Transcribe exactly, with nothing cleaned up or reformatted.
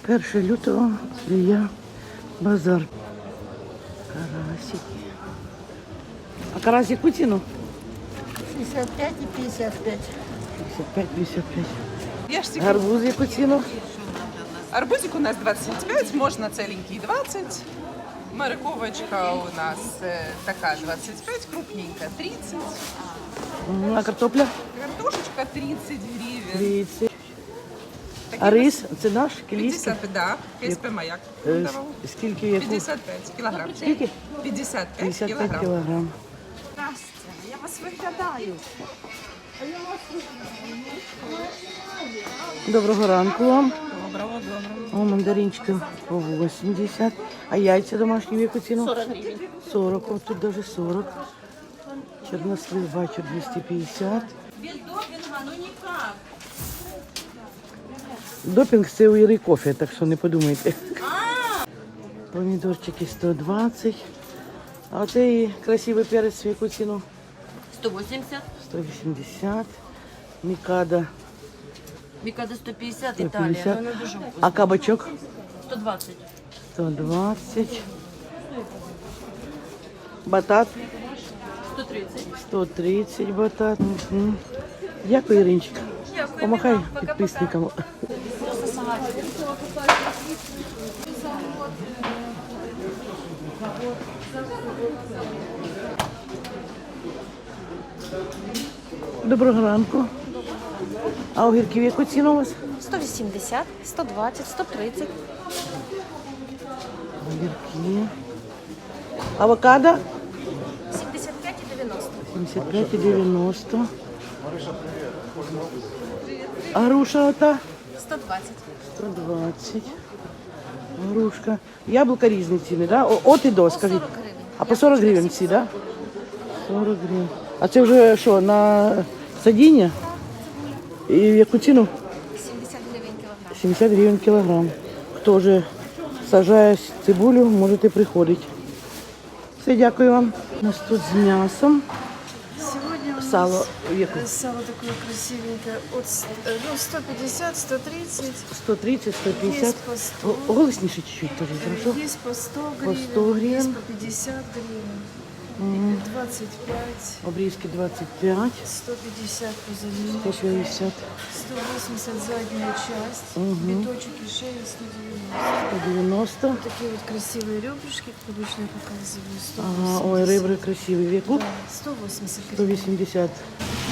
перше лютого я базар. Карасики. А карась яку ціну? шестьдесят пять и пятьдесят пять. шістдесят п'ять п'ятдесят п'ять. Ешьте. Гарбуз яку ціну? Арбузик у нас двадцать пять, можно целенький двадцать. Морковочка у нас э, такая двадцать пять, крупненькая тридцать. Мгм. А картопля? Картошечка тридцать гривен. тридцять. Такие А рис? Це наш? Кілійський? пятьдесят, да, КСП «Маяк». Е, Давал. с- Скільки яку? пятьдесят пять килограмм. Скільки? пятьдесят пять п'ятдесят п'ять килограмм. кілограм. Я вас виглядаю. Доброго ранку вам. Доброго, доброго. О, мандаринчики по вісімдесят. А яйця домашні в яку ціну? сорок гривень. сорок, от тут даже сорок. Чорнослив бачу двісті п'ятдесят. Без допинга, ну никак. Допінг це у Іри кофе, так що не подумайте. Помідорчики сто двадцять. А оцей красивий перець в яку ціну? сто восемьдесят. сто вісімдесят. Мікада Микада сто пятьдесят, сто Италия. п'ятдесят. Но она дуже А кабачок? сто двадцать. сто двадцять. Батат сто тридцать. сто тридцять батат. Угу. Дякую, Іринчик. Помахай підписникам. Доброго ранку. А огірки в яку ціну у вас? сто вісімдесят, сто двадцять, сто тридцять. Огірки. Авокадо? сімдесят п'ять і дев'яносто. сімдесят п'ять і дев'яносто. А груша ота? сто двадцять. сто двадцять. Грушка. Яблука різні ціни, да? О- От і до, скажіть. сорок гривень. А по сорок гривень всі, да? сорок гривень. А це вже що, на садіння? І в яку ціну? сімдесят гривень кілограм. сімдесят гривень кілограм. Хто вже сажає цибулю, можете приходити. Все, дякую вам. У нас тут з м'ясом. Сегодня у нас Сало в яку? сало такое красивенькое от с- э, ну, сто пятьдесят, сто тридцать, сто тридцать, сто пятьдесят. есть по сто, О- Голосніше чуть-чуть, кажи, хорошо? есть по сто По гривен, сто гривен. есть по пятьдесят гривен, двадцать пять, Обрізки двадцять п'ять, сто пятьдесят позади, сто п'ятдесят, сто восемьдесят задняя часть, биточек и шея сто девяносто. сто дев'яносто. Такие вот красивые ребрышки, как обычно я показываю, сто Ага, ой, восемьдесят. ребра красиві. В яку? Да, сто восемьдесят сто гривен. вісімдесят.